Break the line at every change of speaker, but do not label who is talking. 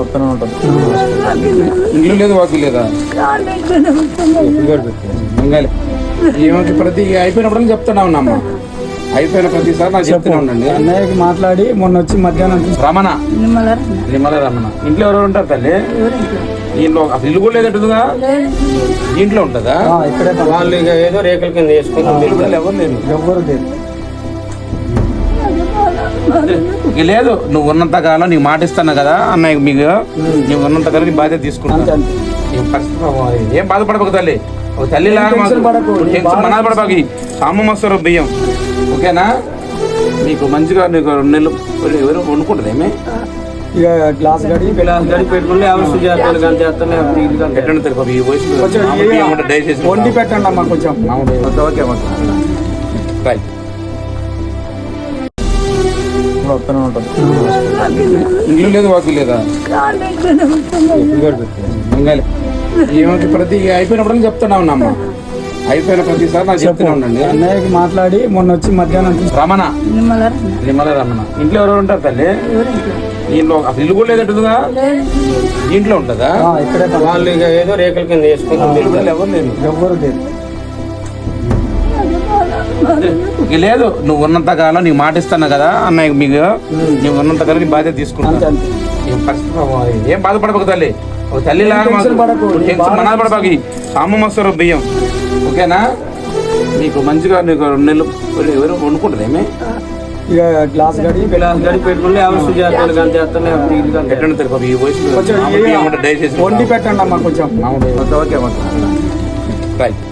వస్తూనే ఉంటుంది. ఇల్లు లేదు, వాకి లేదా? ఏమంటే ప్రతి అయిపోయినప్పుడు చెప్తున్నా ఉన్నమ్మ, అయిపోయిన ప్రతిసారి నాకు చెప్తూనే ఉండండి.
అన్నయ్యకి మాట్లాడి మొన్న వచ్చి మధ్యాహ్నం
రమణ, నిమ్మల రమణ. ఇంట్లో ఎవరెవరు ఉంటారు తల్లి? ఇంట్లో అసలు ఇల్లు కూడా లేదంటుందిగా, ఇంట్లో ఉంటుందా?
ఇక్కడే
వాళ్ళు ఇక ఏదో రేకుల కింద వేసుకుని ఎవరు లేదు,
ఎవ్వరు లేదు.
ఇక లేదు. నువ్వు ఉన్నంత కాలం నీకు మాట ఇస్తాను కదా అన్నయ్య, మీకు నువ్వు ఉన్నంత కాలం నీ బాధ్యత తీసుకుంటాను. ఏం బాధపడబోకు తల్లి, ఒక తల్లి లాగా మనాధపడబాకి సామం వస్తారు బియ్యం, ఓకేనా? మీకు మంచిగా నీకు 2 నెలలు ఎవరు వండుకుంటుంది ఏమి?
ఇక గ్లాస్ గడి
పెట్టుకుంటే
వండి పెట్టండి అమ్మా కొంచెం.
Okay right. వస్తూనే ఉంటుంది. ఇల్లు లేదు, వాకి లేదా? ఏమంటే ప్రతి అయిపోయినప్పుడు చెప్తున్నా ఉన్నమ్మ, అయిపోయిన ప్రతిసారి నాకు చెప్తూనే ఉండండి.
అన్నయ్యకి మాట్లాడి మొన్న వచ్చి మధ్యాహ్నం
రమణ, నిమ్మల రమణ. ఇంట్లో ఎవరెవరు ఉంటారు తల్లి? ఇంట్లో అసలు ఇల్లు కూడా లేదంటుందిగా, ఇంట్లో ఉంటుందా?
ఇక్కడే
వాళ్ళు ఇక ఏదో రేకుల కింద వేసుకుని ఎవరు లేదు,
ఎవ్వరు లేదు.
ఇక లేదు. నువ్వు ఉన్నంత కాలం నీకు మాట ఇస్తాను కదా అన్నయ్య, మీకు నువ్వు ఉన్నంత కాలం నీ బాధ్యత తీసుకుంటాను. ఏం బాధపడబోకు తల్లి, ఒక తల్లి లాగా మనాధపడబాకి సామం వస్తారు బియ్యం, ఓకేనా? మీకు మంచిగా నీకు 2 నెలలు ఎవరు వండుకుంటుంది ఏమి?
ఇక గ్లాస్ గడి
పెట్టుకుంటే వండి పెట్టండి అమ్మా కొంచెం. Okay right.